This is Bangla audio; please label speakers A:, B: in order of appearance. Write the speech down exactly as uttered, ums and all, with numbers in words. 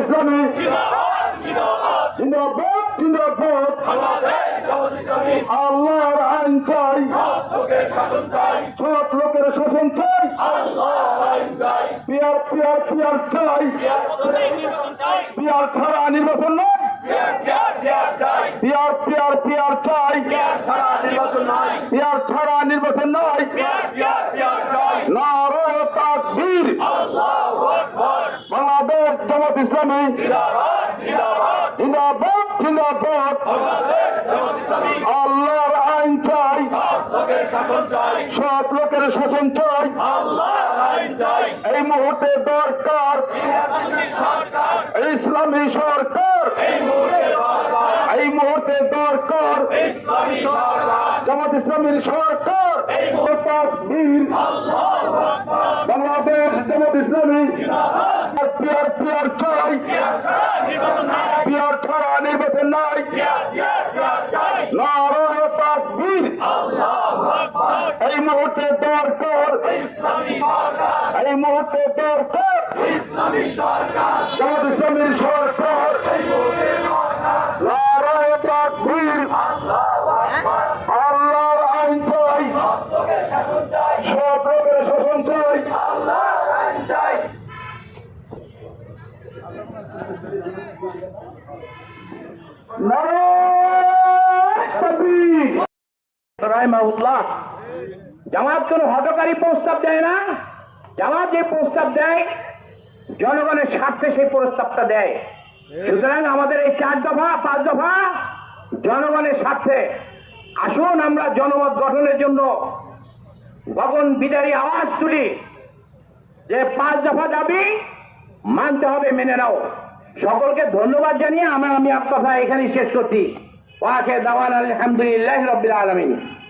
A: ইসলামী জিন্দাবাদ জিন্দাবাদ। আল্লাহর আইন চাই, সৎ লোকের শাসন চাই, পিয়ার পিয়ার পিয়ার চাই, পিয়ার ছাড়া নির্বাচন নয়, পিয়ার পিয়ার পিয়ার চাই, পিয়ার ছাড়া নির্বাচন নয়। নারায়ে তাকবীর। বাংলাদেশ জামাত ইসলামী জিন্দাবাদ জিন্দাবাদ। আল্লাহর আইন চাই, সৎ লোকের শাসন চাই। এই মুহূর্তে দরকার ইসলামী সরকার, এই মুহূর্তে দরকার জামাত ইসলামীর সরকার। তাকবীর। বাংলাদেশ জামাত ইসলামী পিয়ার পিয়ার চাই, পিয়ার ছাড়া নির্বাচন নাই। নারায়ে তাকবীর। এই মুহূর্তে দরকার, এই মুহূর্তে দরকার জামাত ইসলামীর সরকার। নারায়ে তাকবীর। আল্লাহর আইন চাই, সৎ লোকের শাসন চাই।
B: জামাত কোন হতকারী প্রস্তাব দেয় না। জামাত যে প্রস্তাব দেয় জনগণের স্বার্থে সেই প্রস্তাবটা দেয়। সুতরাং আমাদের এই চার দফা পাঁচ দফা জনগণের স্বার্থে। আসুন আমরা জনমত গঠনের জন্য গগন বিদারী আওয়াজ তুলি যে পাঁচ দফা দাবি মানতে হবে, মেনে নাও। সকলকে ধন্যবাদ জানিয়ে আমার আমি আপনার কথা এখানেই শেষ করছি। ওয়াকে দাওয়ান আলহামদুলিল্লাহ রাব্বিল আলামিন।